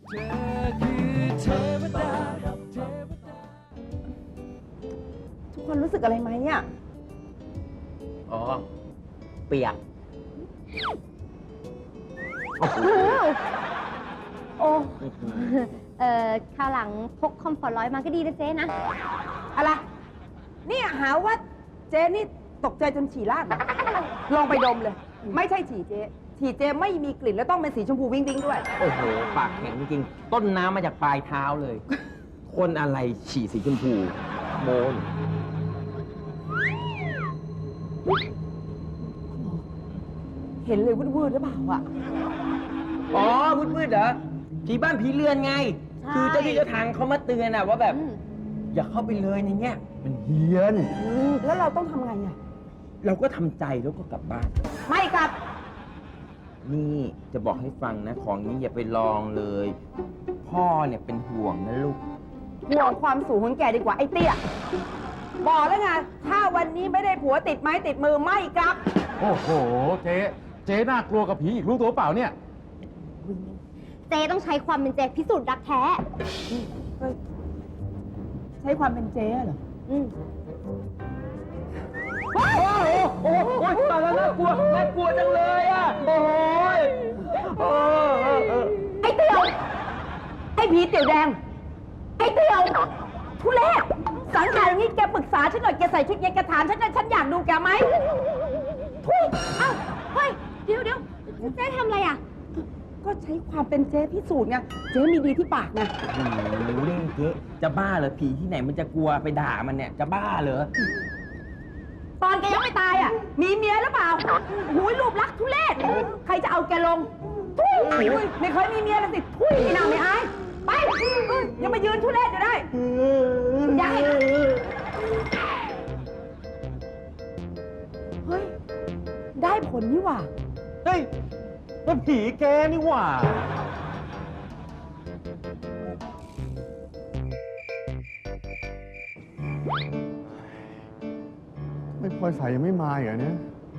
ทุกคนรู้สึกอะไรไหมเนี่ยอ๋อ เปียกโอ้คราวหลังพกคอมฟอร์ต100มาก็ดีนะเจ๊นะอะไรเนี่ยหาว่าเจ๊นี่ตกใจจนฉี่ราดนะลองไปดมเลย ไม่ใช่ฉี่เจ๊ฉี่เจ๊ไม่มีกลิ่นแล้วต้องเป็นสีชมพูวิ้งวิ้งด้วยโอ้โห ปากแข็งจริงๆ ต้นน้ำมาจากปลายเท้าเลย คนอะไรฉี่สีชมพูโมนเห็นเลยวืดๆหรือเปล่าอ่ะอ๋อมืดๆเหรอ ผีบ้านผีเรือนไงใช่คือเจ้าที่เจ้าทางเขามาเตือนอะว่าแบบ อย่าเข้าไปเลยในเนี้ยมันเฮี้ยนแล้วเราต้องทำไงอ่ะเราก็ทำใจแล้วก็กลับบ้านไม่กลับนี่จะบอกให้ฟังนะ ของนี้อย่าไปลองเลย พ่อเนี่ยเป็นห่วงนะลูกห่วงความสูงของแกดีกว่าไอ้เตี้ย บอกแล้วไง ถ้าวันนี้ไม่ได้ผัวติดไม้ติดมือไม่กลับโอ้โห เจ๊น่ากลัวกับผีอีกรู้ตัวเปล่าเนี่ยเจ๊ต้องใช้ความเป็นเจ๊พิสูจน์รักแท้ใช้ความเป็นเจ๊เหรอโอ้โหตายแล้วน่ากลัวจังเลยอ่ะ โอ้ยไอ้เตียว ไอ้ผีเตี๋ยวแดง ไอ้เตียว ทุเรศสังขารอย่างนี้แกปรึกษาฉันหน่อย แกใส่ชุดนี้แกถามฉันหน่อยฉันอยากดูแกไหมทุยเอ้า เฮ้ย เดี๋ยวเจ๊ทำอะไรอ่ะก็ใช้ความเป็นเจ๊พิสูจน์ไง เจ๊มีดีที่ปากไงเล่นเจ๊จะบ้าเหรอ ผีที่ไหนมันจะกลัวไปด่ามันเนี่ย จะบ้าเหรอตอนแกยังไม่ตายอ่ะ มีเมียหรือเปล่าหูยรูปลักษณ์ทุเรศ ใครจะเอาแกลง ทุยไม่เคยมีเมียเลยสิ ทุยไม่น่าไม่อาย ไปยังมายืนทุเรศอยู่ได้อยากให้เฮ้ย ได้ผลนี่หว่าเฮ้ยมันผีแกนี่หว่า ไม่พลอยสายยังไม่มาอีกเหรอเนี่ย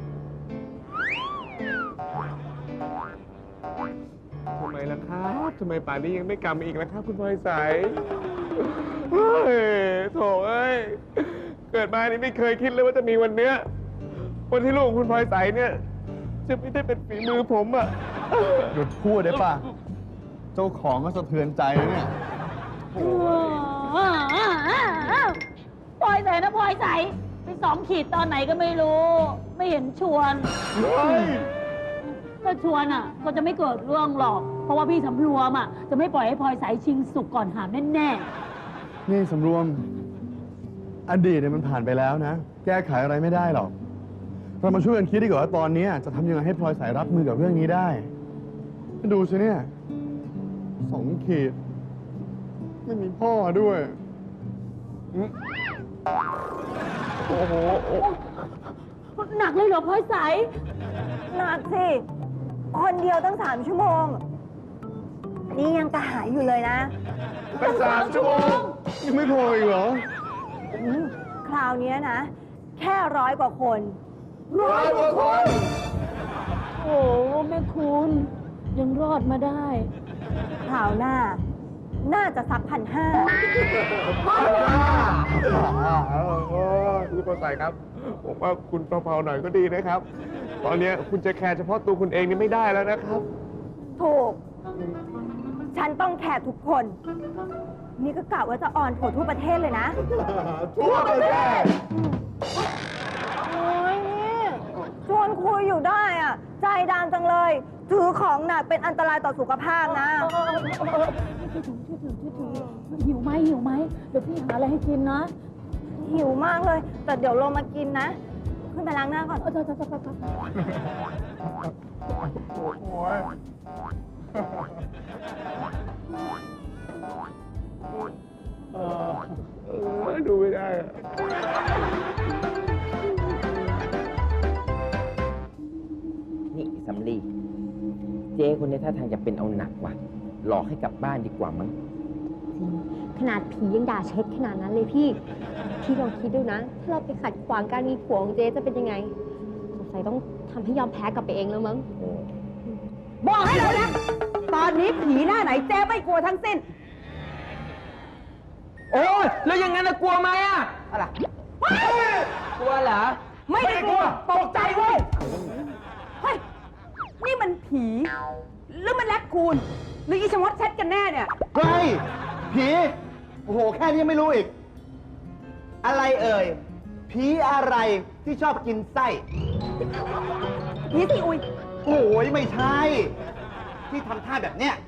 ทำไมล่ะครับทำไมป่านนี้ยังไม่กลับมาอีกล่ะครับ คุณพลอยใสเฮ้ยโถเอ้ย เกิดมานี่ไม่เคยคิดเลยว่าจะมีวันเนี้ยวันที่ลูกของคุณพลอยใสเนี่ยจะไม่ได้เป็นฝีมือผมอ่ะหยุดพูดได้ป่ะ เจ้าของก็สะเทือนใจแล้วเนี่ยพลอยใสนะพลอยใสไป2 ขีดตอนไหนก็ไม่รู้ ไม่เห็นชวนเฮ้ยก็ชวนอ่ะ ก็จะไม่เกิดเรื่องหรอก เพราะว่าพี่สำรวมอ่ะจะไม่ปล่อยให้พลอยใสชิงสุกก่อนหามแน่นี่สำรวม อดีตเนี่ยมันผ่านไปแล้วนะ แก้ไขอะไรไม่ได้หรอก เรามาช่วยกันคิดดีกว่าว่าตอนนี้จะทำยังไงให้พลอยสายรับมือกับเรื่องนี้ได้ดูสิเนี่ย2 ขีด ไม่มีพ่อด้วยโอ้โหๆหนักเลยเหรอพลอยใสหนักสิ คนเดียวตั้ง3 ชั่วโมง นี่ยังกระหายอยู่เลยนะตั้ง3 ชั่วโมงยังไม่พออีกเหรอคราวนี้นะ แค่100 กว่าคน 100 กว่าคนโอ้แม่คุณยังรอดมาได้คราวหน้า น่าจะสัก1,500 คุณพลอยใสครับ ผมว่าคุณเผาๆหน่อยก็ดีนะครับ ตอนนี้คุณจะแคร์เฉพาะตัวคุณเองนี่ไม่ได้แล้วนะครับถูก ฉันต้องแคร์ทุกคน นี่ก็กะว่าจะออนทัวร์ทั่วประเทศเลยนะทั่วประเทศโอ้ยนี่ชวนคุยอยู่ได้อ่ะ ใจดำจังเลย ถือของหนักเป็นอันตรายต่อสุขภาพนะหิวไหมเดี๋ยวพี่หาอะไรให้กินนะหิวมากเลย แต่เดี๋ยวลงมากินนะ ขึ้นไปล้างหน้าก่อนโอ้ย ดูไม่ได้อะนี่สำลีเจ๊คนนี้ท่าทางจะเป็นเอาหนักว่ะ หลอกให้กลับบ้านดีกว่ามั้งขนาดผียังด่าเช็ดขนาดนั้นเลยพี่ พี่ลองคิดดูนะ ถ้าเราไปขัดขวางการมีผัวของเจ๊จะเป็นยังไง สงสัยต้องทำให้ยอมแพ้กลับไปเองแล้วมั้งบอกให้เลยนะ ตอนนี้ผีหน้าไหนเจ๊ไม่กลัวทั้งสิ้นโอ้ยแล้วอย่างนั้นน่ะกลัวไหมอ่ะอะไรกลัวเหรอไม่ได้กลัว ตกใจเว้ย เฮ้ย นี่มันผี หรือมันแลกคูน หรืออีชะมดเช็ดกันแน่เนี่ยเฮ้ย ผี โอ้โห แค่นี้ยังไม่รู้อีก อะไรเอ่ย ผีอะไรที่ชอบกินไส้ผีสิอุยโอ้ยไม่ใช่ ที่ทำท่าแบบเนี้ย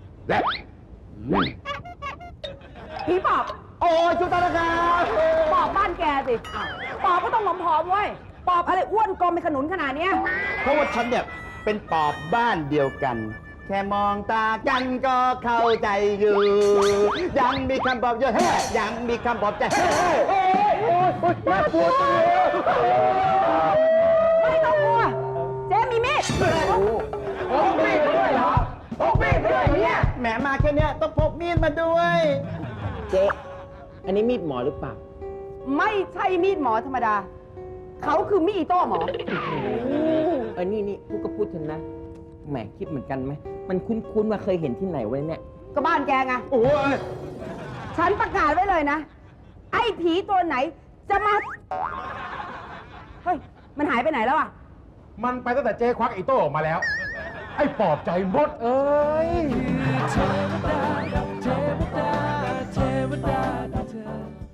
ผีปอบโอ้ยจุตาละครับปอบบ้านแกสิ ปอบก็ต้องผอมๆเว้ย ปอบอะไรอ้วนกลมเป็นขนุนขนาดเนี้ยเพราะว่าฉันเนี่ยเป็นปอบบ้านเดียวกัน แค่มองตากันก็เข้าใจอยู่ ยังมีคำปลอบใจเฮ้ยยังมีคำปลอบใจเฮ้ยโอ้ยโอ้ยโอ้ยน่ากลัวจังเลยไม่ต้องกลัว เจ๊มีมีดโอ้มีดด้วยเหรอพกมีดด้วยเนี่ยแหมมาแค่เนี้ยต้องพกมีดมาด้วยเจ๊ อันนี้มีดหมอหรือเปล่าไม่ใช่มีดหมอธรรมดา เขาคือมีดอิโต้หมอนี่พูดก็พูดเถอะนะ แหมคิดเหมือนกันไหม มันคุ้นๆมาเคยเห็นที่ไหนไว้เนี่ยก็บ้านแกไงโอ้ยฉันประกาศไว้เลยนะ ไอ้ผีตัวไหนจะมา เฮ้ย มันหายไปไหนแล้วอ่ะมันไปตั้งแต่เจ๊ควักไอ้โต้ออกมาแล้ว ไอ้ปอบใจมดเอ้ย